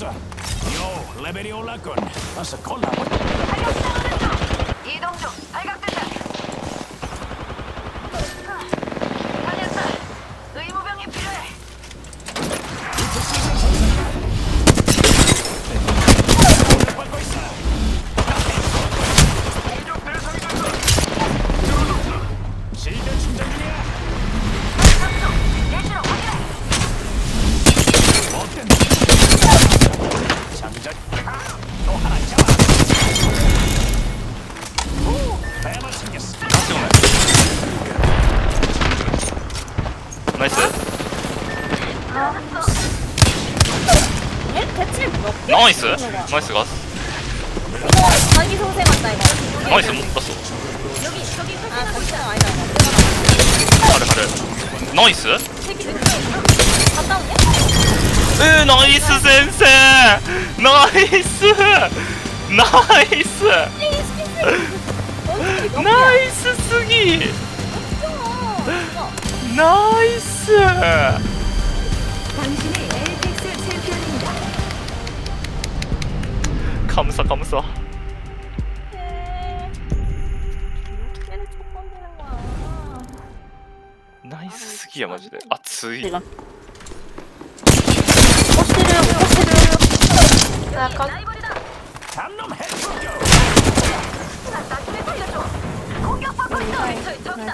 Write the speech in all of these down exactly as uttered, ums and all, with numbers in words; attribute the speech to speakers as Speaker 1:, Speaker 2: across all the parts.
Speaker 1: 잡았어. 요, 레벨이 올랐군. 어서 골라보자.
Speaker 2: 이동 중. 발각됐다. 살렸다. 의무병이 필요해.
Speaker 1: 받고 있어.
Speaker 2: 이쪽 대상이 된다.
Speaker 1: 실드 충전 중이야.
Speaker 2: 예시로 확인해.
Speaker 1: 어땠나? 장전. 또 하나 잡아. 오, 배만 생겼어.
Speaker 3: 나이스.
Speaker 4: 얘 대체 몇 개?
Speaker 3: 나이스. 나이스 가스.
Speaker 4: 이거 자기 소세 같다 이거.
Speaker 3: 나이스 못 봤어.
Speaker 4: 여기 저기 아 거기 아니다 아니다.
Speaker 3: 가래 가래. 나이스.
Speaker 4: 새끼들 갔다 오냐?
Speaker 3: 으 나이스 센세. 나이스. 나이스. 나이스 쓰기. 나이스.
Speaker 2: 당신이 에이펙스 챔피언입니다.
Speaker 3: 감사 감사.
Speaker 4: 얘를 첫 번째는 거야.
Speaker 3: 나이스 쓰기야 마지で. 아 쓰이.
Speaker 4: 내가. 꽃씨를 꽃씨를. 약간
Speaker 1: 담놈 해충교.
Speaker 2: 나중에 살려줘. 공격받고 있어. 저기 저기다.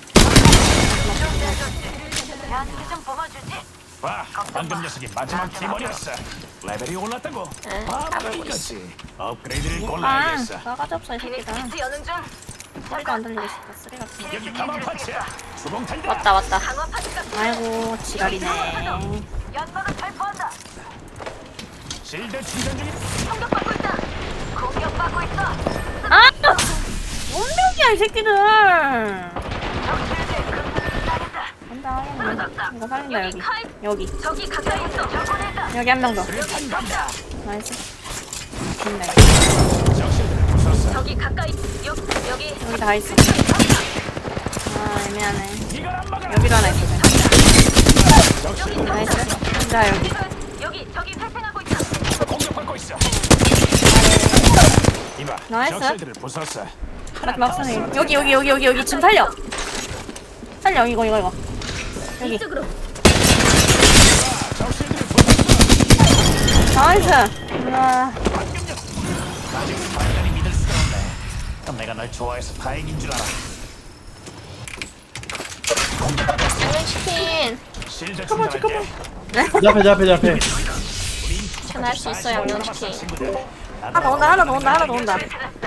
Speaker 2: 나한테 좀 뽑아주지.
Speaker 1: 와, 방금 녀석이 마지막 팀원이었어. 레벨이 올랐다고. 아, 이거지. 업그레이드를
Speaker 4: 아
Speaker 1: 골라야겠어.
Speaker 4: 나가지 없어 이 새끼다.
Speaker 2: 피닉스 여는 중.
Speaker 4: 소리도 안 들리게 싶다 쓰레 같은 거.
Speaker 1: 여기 가만 파츠야. 주봉탄이다.
Speaker 4: 왔다 왔다.
Speaker 2: 강화 파츠가
Speaker 4: 아이고 지랄이네.
Speaker 2: 연막을 발포한다.
Speaker 1: 실드 충전 중이.
Speaker 2: 공격받고 있다. 공격받고 있어.
Speaker 4: 아! 운명이야 이 새끼들.
Speaker 2: 적실드 근무를 따른다.
Speaker 4: 간다 하겠네. 이거 살린다 여기. 여기
Speaker 2: 저기 가까이 있어. 접근했다.
Speaker 4: 여기 한 명 더.
Speaker 1: 수류탄 간다.
Speaker 4: 나이스. 좋네.
Speaker 1: 적실들을 부쉈어.
Speaker 2: 저기 가까이. 여, 여기.
Speaker 4: 여기 다 있어. 아 애매하네.
Speaker 1: 이걸 안 막아.
Speaker 4: 여기도 하나 있어.
Speaker 1: 적실들
Speaker 4: 나이스. 혼자 여기.
Speaker 2: 여기 저기 탈퇴하고 있다.
Speaker 1: 공격받고 있어. 이봐,
Speaker 4: 나이스.
Speaker 1: 적실들을 부쉈어.
Speaker 4: 막 막상해. 여기 여기 여기 여기 여기 지금 살려. 살려 이거 이거 이거. 여기.
Speaker 2: 이쪽으로.
Speaker 1: 적실들을 부쉈어.
Speaker 4: 나이스. 와.
Speaker 1: 아직은 완전히 믿을 수가 없네. 그럼 내가 널 좋아해서 다행인 줄 알아.
Speaker 4: 양념치킨.
Speaker 1: 실드 충전할게.
Speaker 5: 내 앞에 내 앞에 내 앞에
Speaker 4: 하나 할 수 있어 양념치킨.
Speaker 1: 하나
Speaker 4: 하나 더 온다 하나 더 온다 하나 더 온다.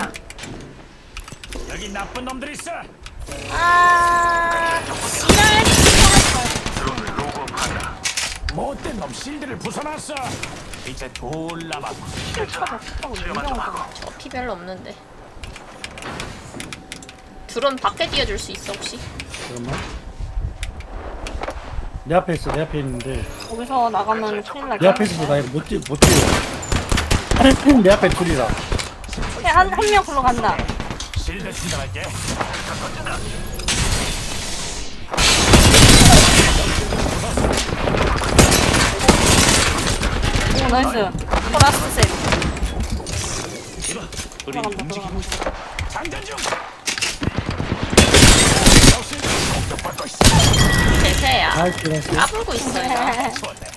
Speaker 1: 여기 나쁜 놈들 있어.
Speaker 4: 아. 지랄.
Speaker 1: 못된 놈 실드를 부숴놨어. 이제 둘 남았고.
Speaker 4: 저 피 별로 없는데. 드론 밖에 띄워줄 수 있어 혹시?
Speaker 5: 잠깐만 내 앞에 있어 내 앞에 있는데
Speaker 4: 거기서 나가면 큰일 날
Speaker 5: 내 앞에 있어서 나 이거 못 뛰어 못 뛰어 내 앞에 둘이라
Speaker 4: 한한 명 글로 간다.
Speaker 1: 실드 충전할게.
Speaker 4: 오 나이스. 라스트 셋.
Speaker 1: 우리
Speaker 4: 들어간다
Speaker 1: 움직이고
Speaker 4: 들어간다.
Speaker 1: 장전 중. 적실들 공격받고 있어.
Speaker 4: 대세야.
Speaker 5: 나이스 나이스
Speaker 4: 까불고 있어 얘가.
Speaker 1: 좋네.